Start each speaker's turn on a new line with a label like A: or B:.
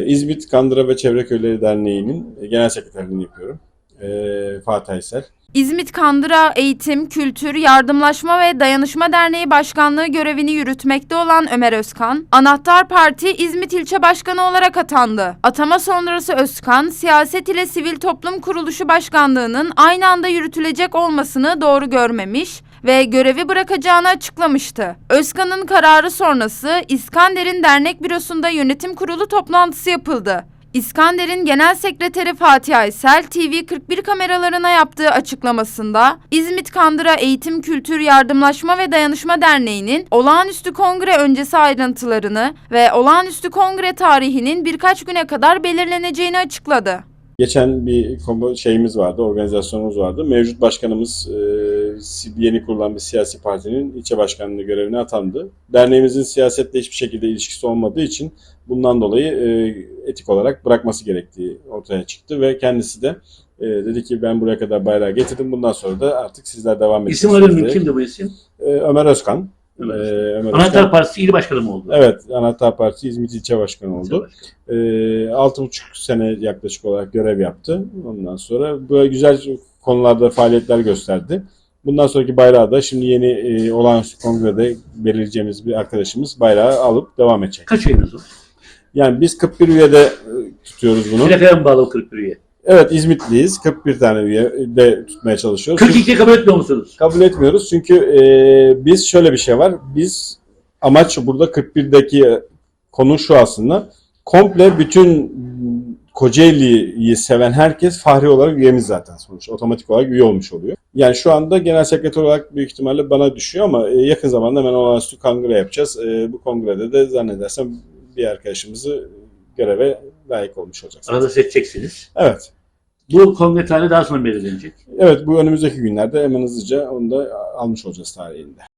A: İzmit Kandıra ve Çevre Köyleri Derneği'nin genel sekreterliğini yapıyorum. Fatih Aysel.
B: İzmit Kandıra Eğitim, Kültür, Yardımlaşma ve Dayanışma Derneği Başkanlığı görevini yürütmekte olan Ömer Özkan, Anahtar Parti İzmit İlçe Başkanı olarak atandı. Atama sonrası Özkan, siyaset ile sivil toplum kuruluşu başkanlığının aynı anda yürütülecek olmasını doğru görmemiş ve görevi bırakacağını açıklamıştı. Özkan'ın kararı sonrası İskander'in dernek bürosunda yönetim kurulu toplantısı yapıldı. İskander'in Genel Sekreteri Fatih Aysel, TV41 kameralarına yaptığı açıklamasında İzmit Kandıra Eğitim, Kültür, Yardımlaşma ve Dayanışma Derneği'nin olağanüstü kongre öncesi ayrıntılarını ve olağanüstü kongre tarihinin birkaç güne kadar belirleneceğini açıkladı.
A: Geçen bir şeyimiz vardı, organizasyonumuz vardı. Mevcut başkanımız yeni kurulan bir siyasi partinin ilçe başkanlığı görevine atandı. Derneğimizin siyasetle hiçbir şekilde ilişkisi olmadığı için bundan dolayı etik olarak bırakması gerektiği ortaya çıktı ve kendisi de dedi ki ben buraya kadar bayrağı getirdim. Bundan sonra da artık sizler devam edin.
C: İsim aradın mı? Kimdi bu isim?
A: Ömer Özkan.
C: Anahtar Partisi İl Başkanı mı oldu?
A: Evet, Anahtar Parti İzmit İlçe Başkanı oldu. 6,5 sene yaklaşık olarak görev yaptı. Ondan sonra böyle güzel konularda faaliyetler gösterdi. Bundan sonraki bayrağı da şimdi yeni olağanüstü kongrede belirleyeceğimiz bir arkadaşımız bayrağı alıp devam edecek.
C: Kaç üyeniz var?
A: Yani biz 41 üyede tutuyoruz bunu.
C: Plakaya mı bağlı o 41 üye?
A: Evet, İzmitliyiz. 41 tane üye de tutmaya çalışıyoruz.
C: 42'yi kabul etmiyor musunuz?
A: Kabul etmiyoruz çünkü biz şöyle bir şey var. Biz amaç burada 41'deki konu şu aslında. Komple bütün Kocaeli'yi seven herkes fahri olarak üyemiz zaten sonuç. Otomatik olarak üye olmuş oluyor. Yani şu anda genel sekreter olarak büyük ihtimalle bana düşüyor ama yakın zamanda hemen olağanüstü kongre yapacağız. Bu kongrede de zannedersem bir arkadaşımızı göreve layık olmuş olacak.
C: Arada seçeceksiniz.
A: Evet.
C: Bu kongre tarihi daha sonra belirlenecek.
A: Evet, bu önümüzdeki günlerde hemen hızlıca onu da almış olacağız tarihinde.